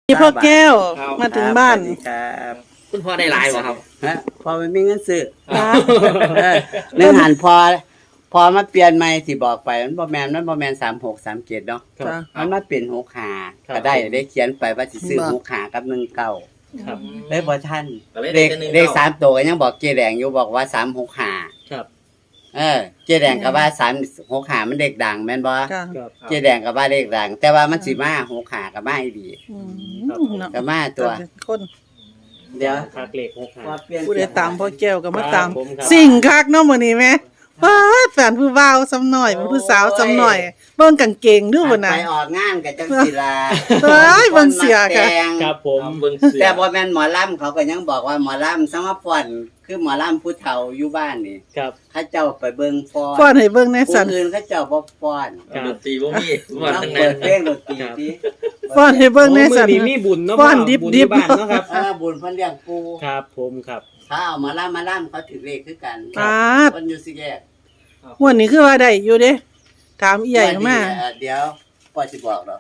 นี่พ่อแก้วครับมาถึงบ้านสวัสดีครับคุณพ่อได้หลายบ่ครับฮะพอมันมีเงินซื้อนะเนื้อหันพอมาเปลี่ยนใหม่ที่บอกไปมันบ่แม่น3637เนาะจ้ะมันมาเป็น65ก็ได้เขียนไปว่าสิซื้อ65กับ19 ครับเลยบ่ทันก็เลยเลได้ขแต่หนึ่งเลขเก้า 3ตัวก็ยังบอกเจ๊แดงอยู่บอกว่า365 ครับเจ๊แดงก็ว่า365มันเลขดังแม่นบ่จ้ะครับเจ๊แดงก็ว่าเลขดัง แต่ว่ามันสิมา65ก็มาอีดีอืมครับเนาะก็มาตัวเป็นคนเดี๋ยวคาเกล็ก6 พอเปลี่ยนผู้ใดตามพ่อแก้วก็มาตามครับผมครับสิ่งคักเนาะมื้อนี้แม่ว้าแฟนผู้บ่าวซ้ำหน่อยเป็นผู้สาวซ้ำหน่อยเบิ่งกางเกงดูบ่น่ะไปออกงานกับจังศิลาเอ้ยเบิ่งเสียค่ะครับผมเบิ่งเสือแต่บ่แม่นหมอลำเขาก็ยังบอกว่าหมอลำสมฟ้อนคือหมอลำผู้เฒ่าอยู่บ้านนี่ครับเขาเจ้าไปเบิ่งฟ้อนฟ้อนให้เบิ่งแหน่ผู้สั่นอื่นเขาเจ้าบ่ฟ้อนครับดนตรีบ่มีว่าต้องทั้งเปินั้ดนเพลงดนตรีครับติฟ้อนให้เบิ่งแหน่สั่นโอ้มื้อนี้มีบุญเนาะฟ้อนดิบบุญดิบที่บ้านเนาะครับบุญเพิ่นเลี้ยงปูครับผมครับถ้าเอาหมาลำเขาถือเลขคือกันปาดเพิ่นอยู่สิแยกม่วนนี้คือว่าได้อยู่เด้ถามอีใหญ่มาเดี๋ยวพ่อสิบอกดอก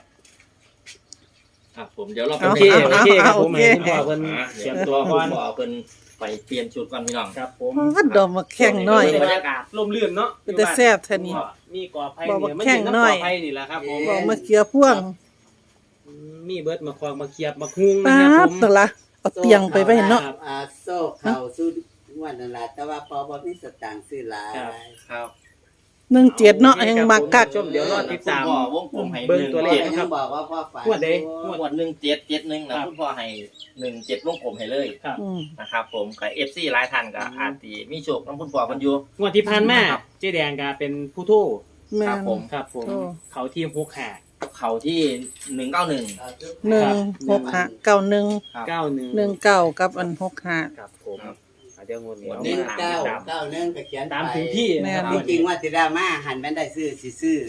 ผมเดี๋ยวเราเอาโอเคโอเคครับผมโอเคให้คุณพ่อเพิ่นเสียบตัวก่ก่ออน นขอเพิ่นไปเปลี่ยนชุดก่อนพี่น้องครับผมพาดดอกมาแข่งหน่อยบรรยากาศร่มรื่นเนาะเป็นแต่แซ่บแท้นี่มีกอไผ่บอกว่าเนี่ยมันแข่อยู่งน้ำหน่กอยอไผ่นี่แหละครับผมบอกมาเกลือพ่วงมีเบิดมาควงมาเคียบมาคุ้งนะปาครับดผมตะละเอาเตียงไปไว้เนาะโซ่เข้าสู้งวดนั่นล่ะแต่ว่าพอบ่มีสตางค์ซื้อหลายครับ 17เนาะยังมักคักชมเดี๋ยวรอติดตามคุณพ่อวงกลมให้เบิ่งตัวเลขพ่อก็ยังบอกว่าพ่อฝันงวดใดงวด1771นะคุณพ่อให้17วงกลมให้เลยครับอืมนะครับผมกับ FC หลายท่านก็อาจสิมีโชคนำคุณพ่อเพิ่นอยู่งวดที่ผ่านมาเจ๊แดงก็เป็นผู้โทษแม่ครับนผมครับผมโอ้เขาทีม6หาเขาที่191 1659119กับอัน65 ครับผมเดี๋ยวงวดนี้วันเอานี้มาเก้าตามเก้าหนึ่งก็เขียนไปตามถึงที่แม่นะคนรับจริงๆว่าสิได้มาหันแม่นได้ซื้อสิซื้อ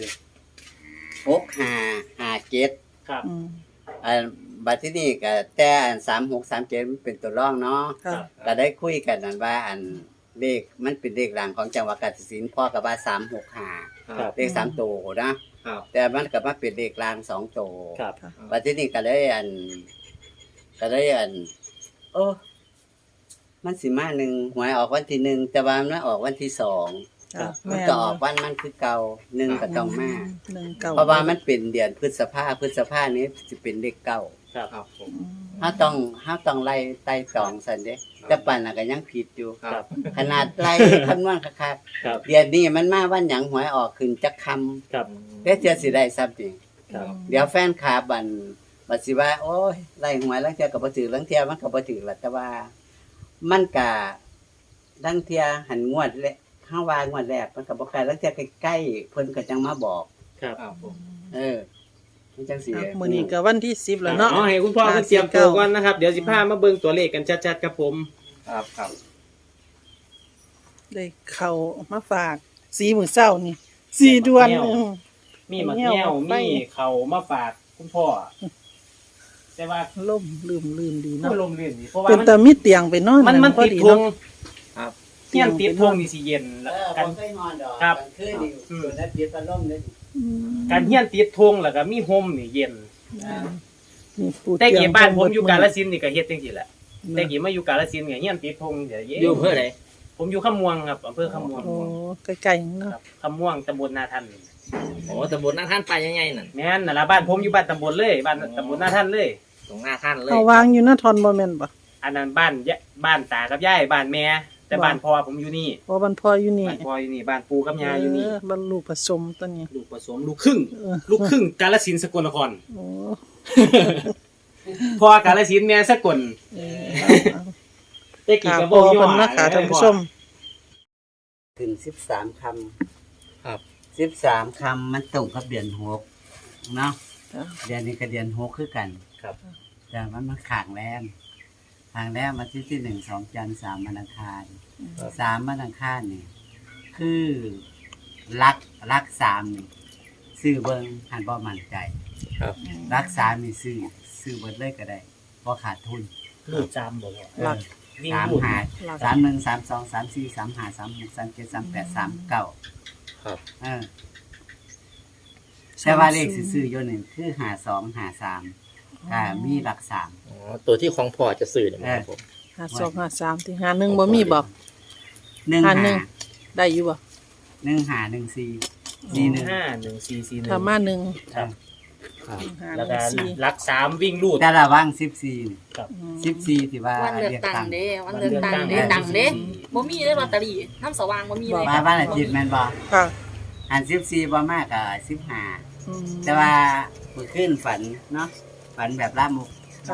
6557 ครับอืมบัดที่นี่ก็แต่อัน3637มันเป็นตัวรองเนาะค่ะก็ได้คุยกันนั่นว่าอันเลขมันเป็นเลขหลังของจังหวัดกาฬสินธุ์พ่อก็ว่า365 ครับเลข3ตัวนะครับ แต่มันก็มาเป็นเลขกลาง2ตัวครับบัดที่นี่ก็เลยโอ้มันสิมาหนึ่งหวยออกวันที่1แต่ว่ามันออกวันที่2 ค่ะมันแม่นก็ออกวันมันคือเก่า1ก็ต้องมา 19 เพราะว่ามันเป็นเดือนพฤษภานี้สิเป็นเลขเก้าครับครับผมเฮาต้องไล่ไต่ตองซั่นเด้แต่ปานน่ะก็ยังผิดอยู่ครับขนาดไล่คำนวณคักครับๆเดือนนี้มันมาวันหยังหวยออกขึ้นจักคำครับแต่เทื่อสิได้ซับนี่ครับเดี๋ยวแฟนคลับบัดสิว่า โอ้ยไล่หวยลังเทื่อก็บ่ถือลังเทื่อมันก็บ่ถือล่ะแต่ว่า มันก็ลังเทื่อหันงวดและเฮาว่างวดแรกมันก็บ่ใกล้ลังเทื่อใกล้ๆเพิ่นก็จังมาบอกครับครับผมมันจังสิมื้อนี้ก็วันที่10แล้วเนาะเอาให้คุณพ่อเพิ่นเตรียมตัวก่อนนะครับ เดี๋ยวสิพามาเบิ่งตัวเลขกันชัดๆครับผมครับครับได้เข้ามาฝากสีมื้อเช้านี่สีด่วนมีมะเงี้ยวมีเขามาฝากคุณพ่อ แต่ว่าล่มลืมดีเนาะก็ลมเรื่นดีเพราะว่าเป็นมันแต่มีเตียงไปนอนมันพอติดดีทงเนาะครับเที่ยงติดทงนี่สิเย็นแล้วกันบ่เคยนอนดอกครับกลางคืนนี่อยู่ในปิดพัดลมเลยอืมการเที่ยงติดทงแล้วก็มีโฮมนี่เย็นนี่ปูแต่เตียงกี่บ้านผมอยู่กาฬสินธุ์นี่ก็เฮ็ดจังซี่แหละแต่กี่มาอยู่กาฬสินธุ์ก็เฮียนติดทงเดี๋ยวเย็นอยู่อำเภอไหนผมอยู่ขะม่วงครับอำเภอขะม่วงโอ้ใกล้ๆเนาะครับขะม่วงตำบลนาทันโอ้ตำบลหน้าท่านไปยังไงนั่นแม่นนั่นล่ะบ้านผมอยู่บ้านตำบลเลยบ้านตำบลนาทันเลยตรงหน้าท่านเลยเอาวางอยู่หน้าทอนบ่แม่นบ่อันนั้นบ้านตากับยายบ้านแม่แต่บ้านพ่อผมอยู่นี่เพราะมันพออยู่นี่บ้านพ่ออยู่นี่บ้านปู่กับย่าอยู่นี่บรรลุผสมตัวนี้ลูกผสมลูกครึ่งเออลูกครึ่งกาฬสินธุ์สกลนครโอ้พ่อกาฬสินธุ์แม่สกลเออได้กี่ค่ะกระพโบอกย่อเพิ่นนะคะท่านผู้ชมถึง13คำครับ 13คำมันตรงกับเดือน6เนาะจ้ะเดือนนี้ก็เดือน6คือกันครับแต่มันมาข้างแรมวันที่1 2จันทร์3วันอังคาร3วันอังคารนี่คือรัก3นี่ซื้อเบิ่งหันบ่มั่นใจครับรัก3นี่ซื้อเบิดเลยก็ได้บ่ขาดทุนลูกจำบอกว่าหลักวิ่งสามลูกหาหลัก 31 32 34 35 36 37 38 39 ครับแต่ว่าเลขซื้อๆอยู่นี่คือ52 53 มีหลักสามอ๋อตัวที่ของพ่อจะสื่อเนี่ยครับผม 5253ที่51บ่มีบ่หนึ่งหาหาหนึ่ง ได้อยู่บ่หนึ่งหาหนึ่งสี่สี่หนึ่ง 51441 ถ้ามาหนึ่งครับหนึ่งหาแล้วหก็นึ่งสี่หลัก3วิ่งรูดแต่ละว่าง14 ครับ 14ที่ว่าวันเลือกเรียกตั้งตั้งเด้วันเลือกตั้งเด้ดังเด้บ่มีเลยลอตเตอรี่น้ำสว่างบ่มีเลยมาบ้านอาทิตย์แม่นบ่ค่ะอัน14บ่มากก็15 อืมแต่ว่าเมื่อคืนฝันเนาะฝันแบบล่ามุกค่ะ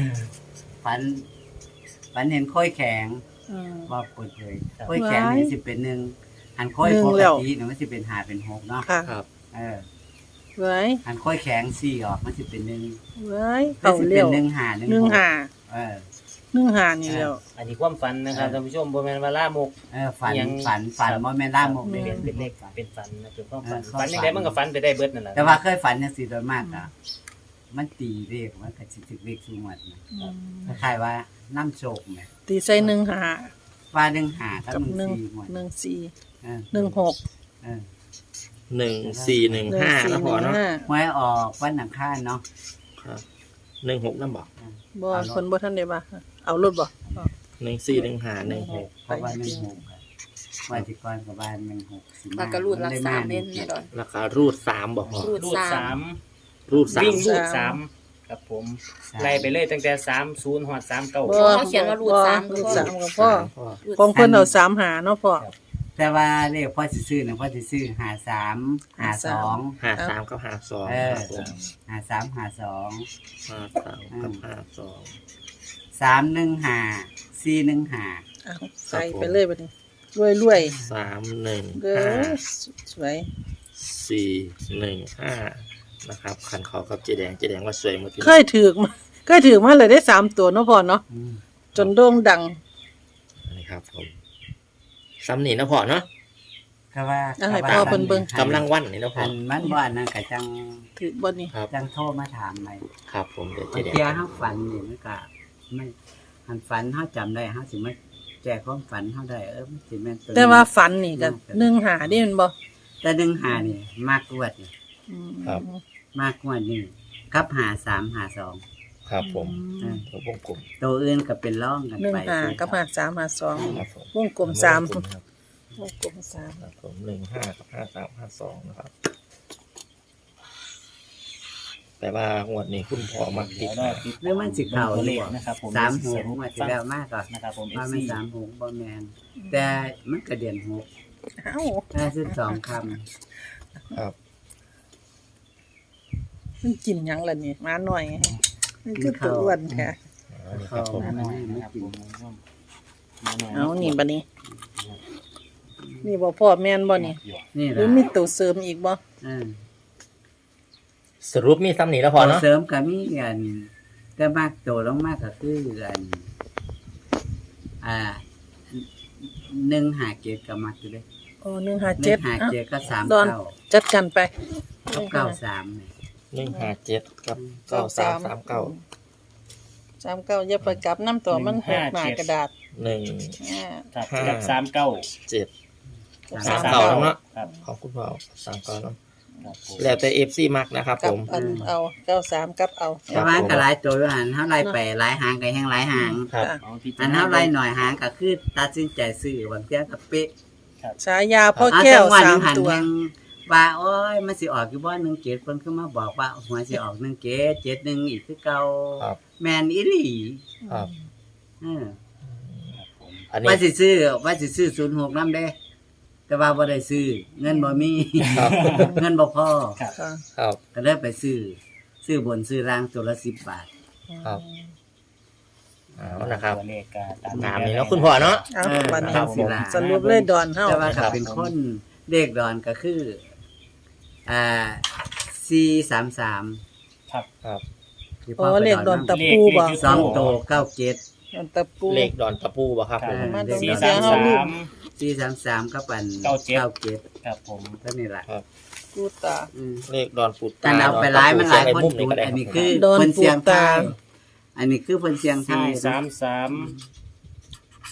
ฝันเห็นค่อยแข็งอืมว่าเปิดเผยค่อยแข็งนี่สิเป็นหนึ่งอันค่อยหนึ่ปงกแล้วติเนี่ยมันสิเป็น5เป็น6เนาะค่ะครับเออไว้อันค่อยแข็ง4ออกมันสิเป็น1 ไว้มันเขาสิเลี้เป็ยนว 1 5 1 หนึ่งหาเออหนึ่งหานี่แล้วอันนี้ความฝันนะครับท่านผู้ชมบ่แม่นว่าล่ามกฝันยังฝันบ่แม่นล่ามกเป็เด้นเป็นเลขเป็นฝันนะเป็นความฝันเออความฝันยังไงมันก็ฝันไปได้เบิดนั่นแหละแต่ว่าเคยฝันจังซี่โดยมากอ่ะมันตีเลขมันก็สิถึกเลขสูงวัดนะอืมคล้ายๆว่าน้ำโชคแหมตีใส่หนึ่งหาว่า1 5กับกับ 1 หนึ่ง 4หมดหนึ่งสี่เออหนึ่งหกเออ 1415นะพ่อเนาะหวยออกวันอังคารเนาะครับ16นำบ่บ่คนบ่ทันได้บ่าเอารถบ่ 141516 เพราะว่า16อะว่าสิก่อนกับบ้าน16สิมาแล้วก็รูดรักษาเน้นเนี่ยดอนราคารูด3บ่พ่อรูดรูดสาม 3 รูดวิ่ง 3 รูด3ครับผมไล่ไปเลยตั้งแต่30ฮอด39 บ่เขาเขียนว่ารูดสามรูดสามกับพ่อพ่อรูดของเพิ่นเอาสามหาเนาะพ่อแต่ว่าเลขพ่อสิซื้อน่ะพ่อสิซื้อ53 52 53กับ52 เออครับผม 53 52 53กับ52 315 415 เอาใส่ไปเลยบัดนี้รวยๆเด้อ 315 สวย 415นะครับคันเขากับเจแดงว่าสวยหมดเคยถือมาเลยได้สามตัวเนาะพ่อเนาะอืมจนโด่งดังนี่ครับผมซ้ำนี่นะพ่อเนาะก็ว่าเอาให้พ่อเพิ่นเบิ่งกำลังวันนี่นะพ่ออันมันบ่อันนั้นก็จังถือบ่นี่ครับจังโทรมาถามใหม่ครับผมเดี๋ยวเจบางแดงเที่ยเฮาฝันนี่มันก็ไม่อันฝันเฮาจำได้เฮาสิมาแก้ความฝันเฮาได้มันสิแม่นตัวนี้แต่ว่าฝันนี่ก็หนึ่งหาได้แมันบ่แต่15นี่มากกว่านี่อืมมากกว่านี่กับ5352 ครับผมอืมตัววงกลมตัวอื่นก็เป็นร่องกันหนึ่งไปหากับหาสามหาสองครับผมวงกลมสามวงกลครับวงกลมสามครับผม15กับ53 52นะครับแต่ว่างวดนี้คุณพ่อมักติดหรือมันสิเข้าตัวหเลรือขบ่นะครับผม 36มาสิแล้วมากก็นะครับผมว่า FC มัน36บ่แม่นแต่มันก็เดือน6 เอ้า 52คำครับมันกินหยังล่ะนี่มาหน่อยมันคือตัวอ้วนแท้อันนี้ครับผมมาหน่อยนะครับผมมาหน่อยเอานี่บัดนี้ นี่บ่พ่อแม่นบ่นี่นี่หรือล่ะมีตัวเสริมอีกบ่สรุปมีซ้ำนี่แล้วพ่อเนาะเสริมก็มีกันแต่มากโตลงมากก็คือกัน157ก็มักอยู่เด้อ๋อ157 157ก็ดอน 39 จัดกันไปกับ93นี่ 157กับ9339 39อย่าไปกลับน้ำตัวมันหกหน้ากระดาษ 1 อ่าครับกับ39 7 สามเก่าเก้าแล้วเนาะครับของคุณพ่อ3เก่าเนาะครับผมแล้วแต่ FC มักนะครับกัผบมอันเอา93กับเอาแต่ว่าก็หลายตัวอยู่หันเฮาไล่ไปหลายหางก็แฮงหลายหางครับอ่ะเอาที่อันเฮาไล่หน่อยหางก็คือตัดสินใจซื้อบางเที่ยก็เป๊ะฉายาพ่อแก้วเอจังห 3 ตัวแห่งว่าโอ้ยมันสิออกอยู่บ่17เพิ่นคือมาบอกว่าหัวสิออก17 71อีกคือเก่าครับแม่นอีหลีครับเอออันนี้ว่าสิซื้อ06นำเด้ แต่ว่าบ่ได้ซื้อเงินบ่มีครับเงินบ่พอค่ะครับก็เลยไปซื้อบนซื้อล่างตัวละ10 บาทครับ เอานะครับตัวเลขก็ตามนี้เนาะคุณพ่อเนาะเอาบัดนี้ครับผมสรุปเลยดอนเฮาแต่ว่าถ้าเป็นคนเลขดอนก็คือ433 ครับครับที่อ๋อไปเลขดอนตะปูบ่สองโต97 ดอนตะปูเลขดอนตะปูบ่ครับผมมาตรงสี่นี้สามเฮาสาลูกม 433กับอัน 97 ครับผมเท่านี้ล่ะกูตาเลขดอนปูแต่ตาเอาไปหลายมันหลายดคนตะปูถูกก็ได้อันนี้รับคือดอนเพิ่นเสียงปูตาไทายอันนี้คือเพิ่นเสียงไทาย 433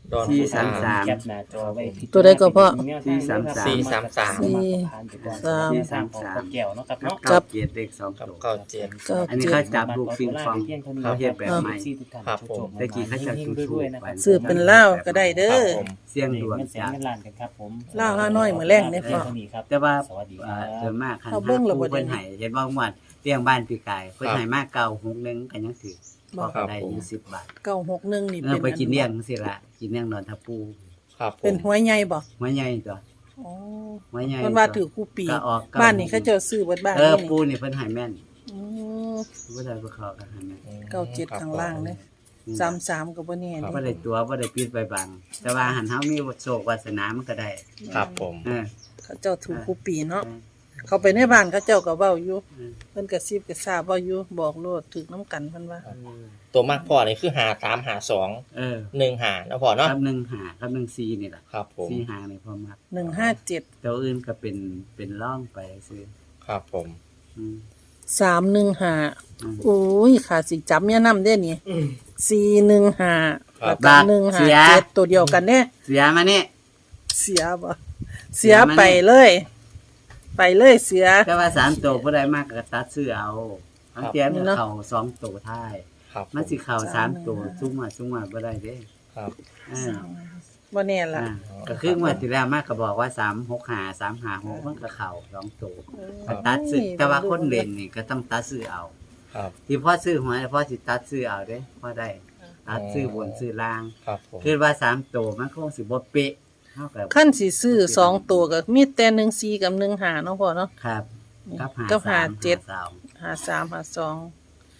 ดอนสี่พุทสามธาสามแคปหน้าจอไว้พิจารณาตัวใดก็พอสี่สามสามสี่สามสามสี่สามของพ่อแก้วเนาะครับเนาะเก้าเจ็ดเลขสองกับตัวเก้าเจ็ดก็อันนี้เขาจับลูกปิงปองเขาเฮ็ดแบบใหม่ครับผมตะกี้เขาจะจุดธูปไว้ซื้อเป็นเหล้าก็ได้เด้ครัอบผมเสี่ยงดวงเงินแสนจ้ะเงินล้านกันครับผมเหล้าห้าน้อยมื้อแลงเนี่ยพ่อแต่ว่าสวัสดีครัส่วบนมากคันเขาเบิ่งแล้วบ่ผู้ได้เพิ่นให้เห็นบ่งวดเลี้ยงบ้านปีกายเพิ่นให้มาเก่า61ก็ยังถือบอกก็ได้อยู่10 บาท 961นี่เอเป็อน ไปกินเลี้ยงจังซี่ล่ะกินเลี้ยงนอนทับปูครับผมเป็นหัวใหญ่บ่หัวใหญ่ตัวอ๋อหัวใหญ่เพิ่นว่าถือคู่ปีก็ออกบ้านนี้เขาเจ้าซื้อเบิดบ้านเออนี่ปูนี่เพิ่นให้แม่นอืมบ่ได้บ่เข้ากันให้แม่น 97ข้างล่างเลย33ก็บ่แน่บ่เด้ได้ตัวบ่ได้ปิดไปบังแต่ว่าหันเฮามีโชควาสนามันก็ได้ครับผมเออเขาเจ้าถูกคู่ปีเนาะเขาไปในบ้านเขาเจ้าก็เว้าอยู่เพิ่นก็ซิบก็ทราบเว้าอยู่บอกโลดถึกน้ำกันเพิ่นว่าตัวมากพ่อนี่คือหาสามหาสองเออหนึ่งหานะพ่อเนาะกับ1 5กับ1 4นี่ล่ะครับผม 4 5นี่พอมัก 157 ตัวอื่นก็เป็นร่องไปซื้อครับผมอืม 315โอ้ยขาสิจับเมียนำเด้นี่415แล้วก็บาทเสีย 157ตัวเดียวกันเด้เสียมานี่เสียบ่เสียไปเลย ไปเลยเสียแต่ว่า3ตัวบ่ได้มากก็ตัดซื้อเอาทั้งเตียนเข้า2ตัวท้ายครับมันสิเข้า3ตัวซุ่มมาบ่ได้เด้ครับเออบ่แน่ล่ะก็คืองวดที่แล้วมากก็บอกว่า365 356มันก็เข้า2ตัวก็ตัดซื้อแต่ว่าคนเล่นนี่ก็ต้องตัดซื้อเอาครับที่พ่อซื้อหวยพ่อสิตัดซื้อเอาเด้พ่อได้ตัดซื้อบนซื้อล่างครับผมคือว่า3ตัวมันคงสิบ่เป๊ะเฮาก็ขั้นสิซื้อ2ตัวก็มีแต่14กับ15เนาะพ่อเนาะครับกับกับ 53 53 52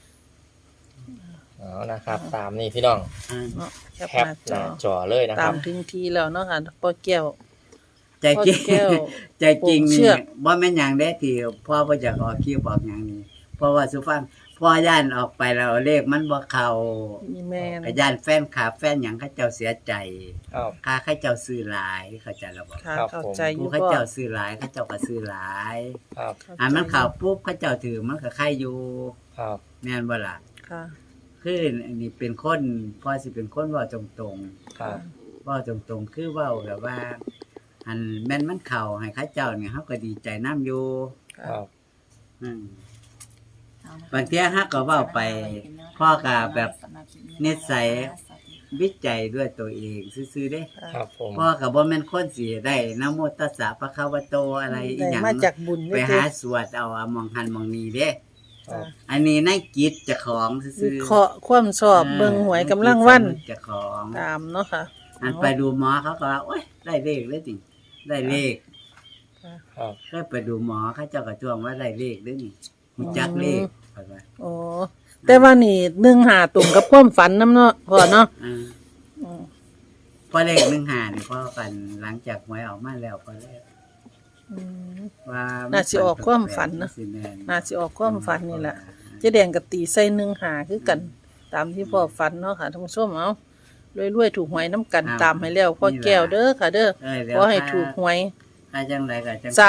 เอานะครับ ตามนี่พี่น้องเนาะแคปแคหปน้าหจน้าอจอเลยนะคตารัมบถึงทีแล้วเนาะค่ะพ่อแก้วใจจริงพ่อแก้วใจจริงเชืนี่อกบ่แม่นหยังเด้ที่พ่อบ่อยากออกคลิปออกหยังนี่เพราะว่าสุฟังพ่อย่านออกไปแล้วเลขมันบ่เข้ามีแม่นก็ย่านแฟนคลับแฟนหยังเขาเจ้าเสียใจครับค่าเขาเจ้าซื้อหลายเข้าใจแล้วบ่ค่ะครับเข้าใจอผู้ยู่เขาพ่อเจ้าซื้อหลายเขาเจ้าก็ซื้อหลายครับอันมันเข้าปุ๊บเขาเจ้าถือมันก็ใครอยู่ครับแม่นบ่ล่ะค่ะคืออันนี้เป็นคนพ่อสิเป็นคนเว้าตรงครับๆเว้าตรงๆคือเว้าแบบว่าอันแม่นมันเข้าให้เขาเจ้านี่เฮาก็ดีใจนํอยู่ครับอืม บางเที่ยฮักก็เว้าไปพ่อก็แบบนิสัยวิจัยด้วยตัวเองซื่อๆเด้ครับผมพ่อก็บ่แม่นคนสิได้นะโมตัสสะภะคะวะโตอะไรอีหยังมาจากบุญไปเด้อหาสวดเอามองหันมองนี้เด้ครับอันนี้ในจิตเจ้าของซื่วิอเคราะห์ความชอบเบิ่งหวยกำลังวันเจ้าของตามเนาะค่ะอันไปดูหมอเขาก็ว่าโอ๊ยได้เลขเลยติได้เลขครับก็ไปดูหมอเขาเจ้าก็จ้วงว่าได้เลขเด้อนี่รู้จักเลขว่าว่าโอ้แต่ว่านี่15ตุ่มกับความฝันนำเนาะพ่อเนาะอ่าอืมพอเลข15นี่พ่อกันหลังจากหวยออกมาแล้วพอแล้วอืมว่าน่าสิออกความฝันนะสิแม่น่าสิออกความฝันนี่แหละเจ๊แดงก็ตีใส่15คือกัน ตามที่พ่อฝันเนาะค่ะท่านผู้ชมเอารวยๆถูกหวยน้ำกันตามให้แล้วพ่อแก้วเด้อค่ะเด้อเดี๋ยวขอให้ถูกหวยถ้าจังไรก็จัง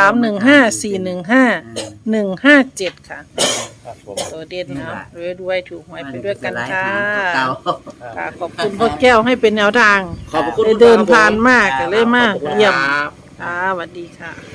315-415-157 ค่ะครับผมตัวเด่นเอารวยๆถูกหวยไปด้วยกันค่ะเก่าค่ะขอบคุณพ่อแก้วให้เป็นแนวทางขอบคุณได้เดินผ่านมากก็เลยมาขอบคุณเยี่ยมครับค่ะสวัสดีค่ะ